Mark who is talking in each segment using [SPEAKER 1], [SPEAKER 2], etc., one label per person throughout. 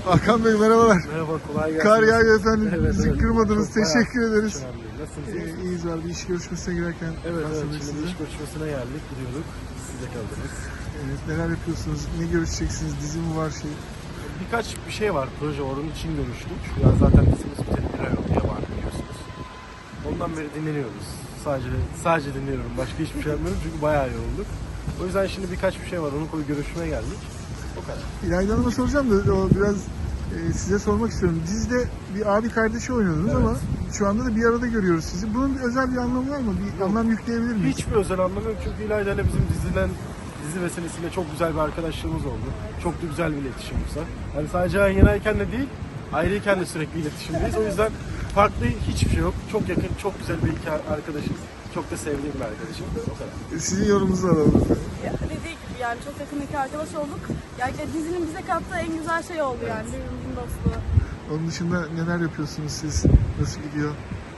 [SPEAKER 1] Hakan Bey merhabalar.
[SPEAKER 2] Merhaba, kolay gelsin.
[SPEAKER 1] Kar yağıyor efendim.
[SPEAKER 2] Evet,
[SPEAKER 1] Bizi
[SPEAKER 2] evet.
[SPEAKER 1] kırmadınız.
[SPEAKER 2] Çok
[SPEAKER 1] Teşekkür
[SPEAKER 2] bayağı
[SPEAKER 1] ederiz.
[SPEAKER 2] hiç önemli değil. Nasılsınız?
[SPEAKER 1] İyiyiz var. Bir iş görüşmesine girerken
[SPEAKER 2] Evet,
[SPEAKER 1] rastladık
[SPEAKER 2] şimdi
[SPEAKER 1] size.
[SPEAKER 2] iş görüşmesine geldik, gidiyorduk. Siz de kaldınız.
[SPEAKER 1] Evet, neler yapıyorsunuz? Ne görüşeceksiniz? Dizi mi var şey?
[SPEAKER 2] Birkaç bir şey var, proje var, onun için görüştük. Ya zaten dizimiz biteli bir ay oldu, yabancı biliyorsunuz. Ondan beri dinleniyoruz. Sadece dinliyorum, başka hiçbir şey yapmıyorum çünkü bayağı yorulduk. O yüzden şimdi birkaç bir şey var, onu görüşmeye geldik. O kadar.
[SPEAKER 1] İlayda Hanım'a soracağım da o biraz size sormak istiyorum. Dizide bir abi kardeşi oynuyordunuz
[SPEAKER 2] Evet.
[SPEAKER 1] ama şu anda da bir arada görüyoruz sizi. Bunun bir özel bir anlamı var mı? Bir anlam yükleyebilir miyiz?
[SPEAKER 2] Hiçbir özel anlamı yok çünkü İlayda ile bizim dizi vesilesiyle çok güzel bir arkadaşlığımız oldu. Çok da güzel bir iletişimimiz var. Yani sadece yan yanayken de değil, ayrıyken de sürekli iletişimdeyiz. O yüzden farklı hiçbir şey yok. Çok yakın, çok güzel bir iki arkadaşız. Çok da sevdiğim bir arkadaşım. O kadar.
[SPEAKER 1] Sizin yorumunuzu alalım.
[SPEAKER 3] Dediği gibi yani çok yakın iki arkadaş olduk. Yani dizinin bize kattığı en güzel şey oldu yani birbirimizin dostluğu.
[SPEAKER 1] Onun dışında neler yapıyorsunuz siz? Nasıl gidiyor?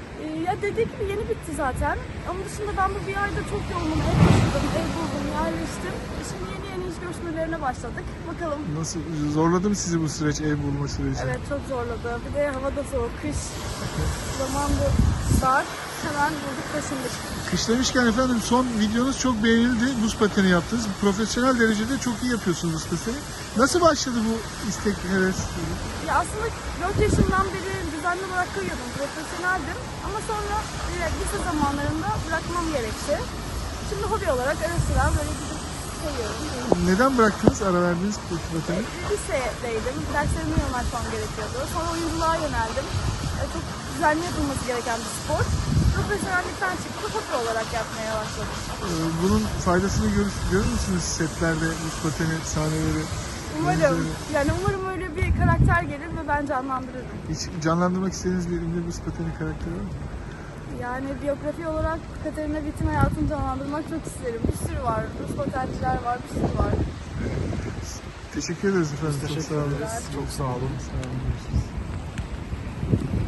[SPEAKER 3] Ya dediği gibi yeni bitti zaten. Onun dışında ben bu bir ayda çok yoğunum. Ev taşıdım, ev buldum, yerleştim. Şimdi yeni iş görüşmelerine başladık. Bakalım.
[SPEAKER 1] Nasıl zorladı mı sizi bu süreç, ev bulma süreci?
[SPEAKER 3] Evet çok zorladı. Bir de hava da soğuk, kış. Zaman da dar. Hemen bulduk taşındık.
[SPEAKER 1] Kış demişken efendim son videonuz çok beğenildi. Buz pateni yaptınız. Profesyonel derecede çok iyi yapıyorsunuz buz pateni. Nasıl başladı bu istek, heves?
[SPEAKER 3] Ya aslında 4 yaşından beri düzenli olarak kayıyordum, profesyoneldim. Ama sonra lise zamanlarında bırakmam gerekti. Şimdi hobi olarak ara sıra böyle gidip kayıyorum.
[SPEAKER 1] Neden bıraktınız, ara verdiniz buz pateni?
[SPEAKER 3] Lisedeydim, derslerime yoğunlaşmam gerekiyordu. Sonra oyunculuğa yöneldim. Çok düzenli yapılması gereken bir spor. Profesyonellikten çıktı, hobi olarak yapmaya başladım.
[SPEAKER 1] Bunun faydasını görür müsünüz setlerde buz pateni sahneleri?
[SPEAKER 3] Umarım, yani umarım öyle bir karakter gelir ve ben canlandırırım.
[SPEAKER 1] Hiç canlandırmak istediğiniz bir ünlü buz pateni karakteri var mı?
[SPEAKER 3] Yani biyografi olarak Katerina Witt'in hayatını canlandırmak çok isterim. Bir sürü var, Rus patenciler var, bir sürü var.
[SPEAKER 1] Teşekkür ederiz efendim. Çok
[SPEAKER 2] Teşekkür
[SPEAKER 1] sağ olun.
[SPEAKER 2] ederiz. Çok sağ olun.
[SPEAKER 1] Sağ olun. Görüşürüz.